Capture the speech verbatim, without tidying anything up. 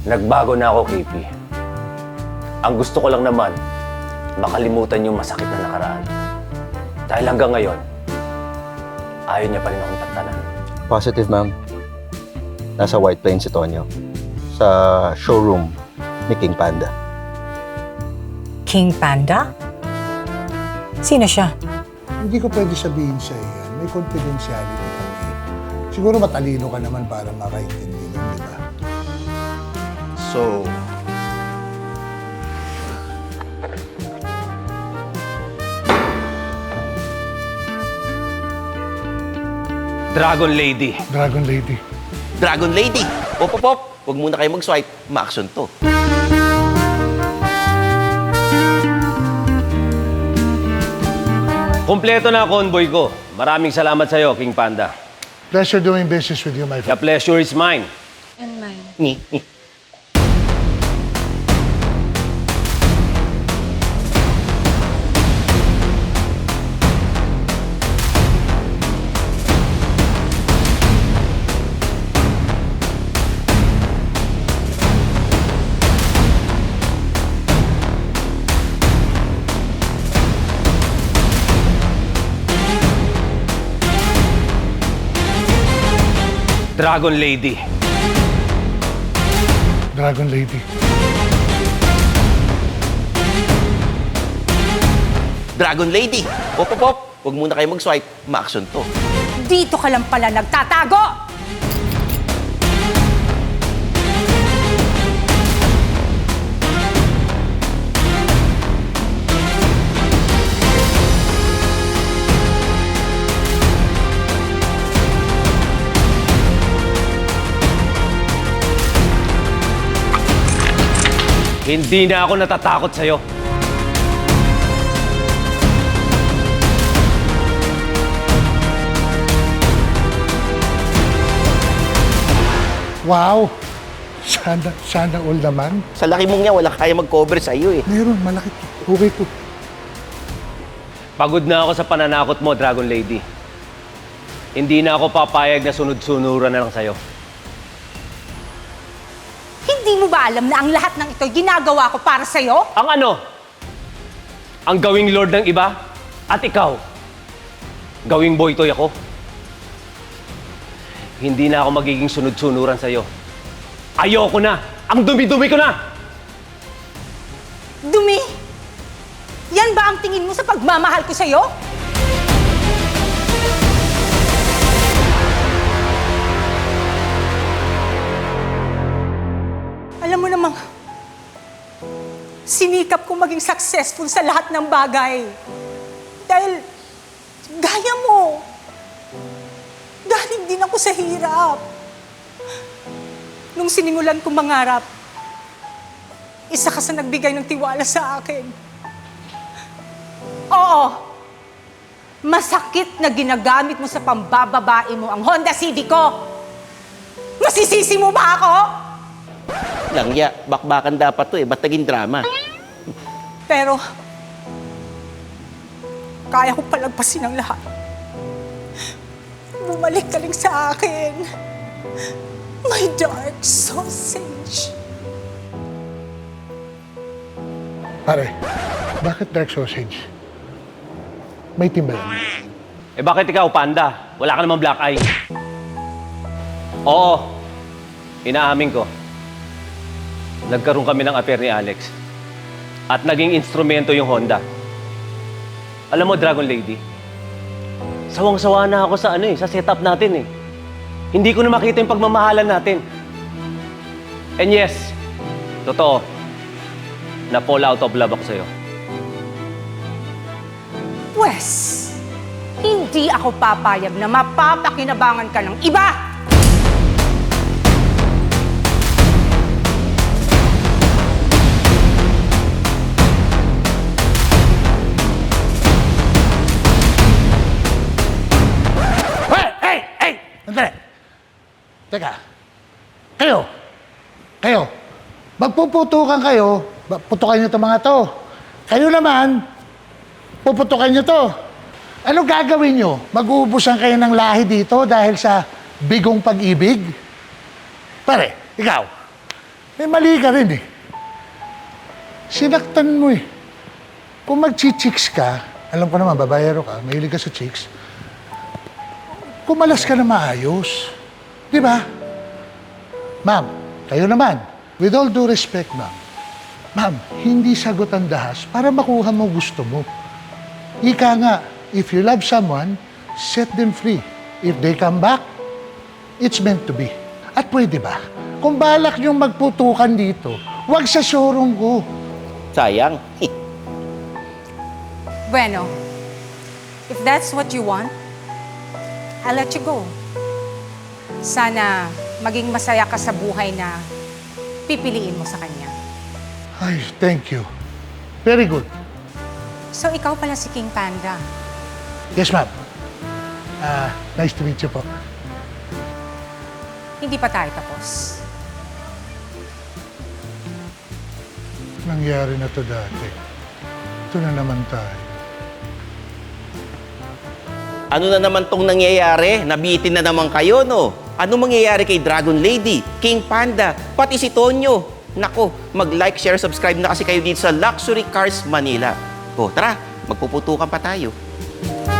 Nagbago na ako, K P. Ang gusto ko lang naman, makalimutan yung masakit na nakaraan. Dahil hanggang ngayon, ayaw niya pa rin akong tantanan. Positive, ma'am. Nasa White Plains si Tonyo. Sa showroom ni King Panda. King Panda? Sino siya? Hindi ko pwede sabihin sa yan. May confidentiality kami. Siguro matalino ka naman para makaintindi nun, di ba? So, Dragon Lady. Dragon Lady. Dragon Lady! Pop, pop, pop! Huwag muna kayo mag-swipe. Ma-action to. Kompleto na ang convoy ko. Maraming salamat sa'yo, King Panda. Pleasure doing business with you, my The friend. pleasure is mine. And mine. Ni, ni. Dragon Lady. Dragon Lady. Dragon Lady! Pop, pop, pop! Huwag muna kayo mag-swipe. Ma-action to. Dito ka lang pala nagtatago! Hindi na ako natatakot sa'yo. Wow! Sana, sana all naman. Sa laki mong niya, wala kaya mag-cover sa iyo eh. Meron, malaki to. Okay to. Pagod na ako sa pananakot mo, Dragon Lady. Hindi na ako papayag na sunod-sunuran na lang sa'yo. Hindi mo ba alam na ang lahat ng ito ginagawa ko para sa'yo? Ang ano? Ang gawing lord ng iba? At ikaw? Gawing boytoy ako? Hindi na ako magiging sunod-sunuran sa'yo. Ayoko na! Ang dumi-dumi ko na! Dumi? Yan ba ang tingin mo sa pagmamahal ko sa'yo? Alam mo namang, sinikap ko maging successful sa lahat ng bagay. Dahil, gaya mo, galing din ako sa hirap. Nung sinimulan kong mangarap, isa ka sa nagbigay ng tiwala sa akin. Oo, masakit na ginagamit mo sa pambababae mo ang Honda Civic ko. Masisisi mo ba ako? Langya, bakbakan dapat to eh. Ba't naging drama? Pero, kaya ko palagpasin ang lahat. Bumalik ka lang sa akin. My dark sausage. Pare, bakit dark sausage? May team ba yan? Eh bakit ikaw, Panda? Wala ka namang black eye. Oo, inaamin ko. Nagkaroon kami ng affair ni Alex. At naging instrumento yung Honda. Alam mo, Dragon Lady, sawang-sawa na ako sa ano eh, sa setup natin eh. Hindi ko na makita yung pagmamahalan natin. And yes, totoo, na fall out of love ako sa'yo. Pwes, hindi ako papayag na mapapakinabangan ka ng iba! Sandali. Teka. Kayo. Kayo. Magpuputukan kayo. ba- Putukan nyo itong mga to. Kayo naman, puputukan nyo to. Ano gagawin nyo? Mag-uubusan kayo ng lahi dito dahil sa bigong pag-ibig? Pare, ikaw. May mali ka rin eh. Sinaktan mo eh. Kung mag-chicks ka, alam ko naman, babayero ka, mahilig ka sa chicks, kumalas ka na maayos. Di ba? Ma'am, kayo naman, with all due respect, ma'am, ma'am, hindi sagot ang dahas para makuha mo gusto mo. Ika nga, if you love someone, set them free. If they come back, it's meant to be. At pwede ba? Kung balak niyong magputukan dito, huwag sa showroom ko. Sayang. Bueno, if that's what you want, I'll let you go. Sana maging masaya ka sa buhay na pipiliin mo sa kanya. Ay, thank you. Very good. So, ikaw pala si King Panda. Yes, ma'am. Ah, nice to meet you po. Hindi pa tayo tapos. Nangyari na to dati. Ito na naman tayo. Ano na naman tong nangyayari? Nabitin na naman kayo, no? Ano mangyayari kay Dragon Lady, King Panda, pati si Tonyo? Nako, mag-like, share, subscribe na kasi kayo dito sa Luxury Cars Manila. O, tara, magpuputukan pa tayo.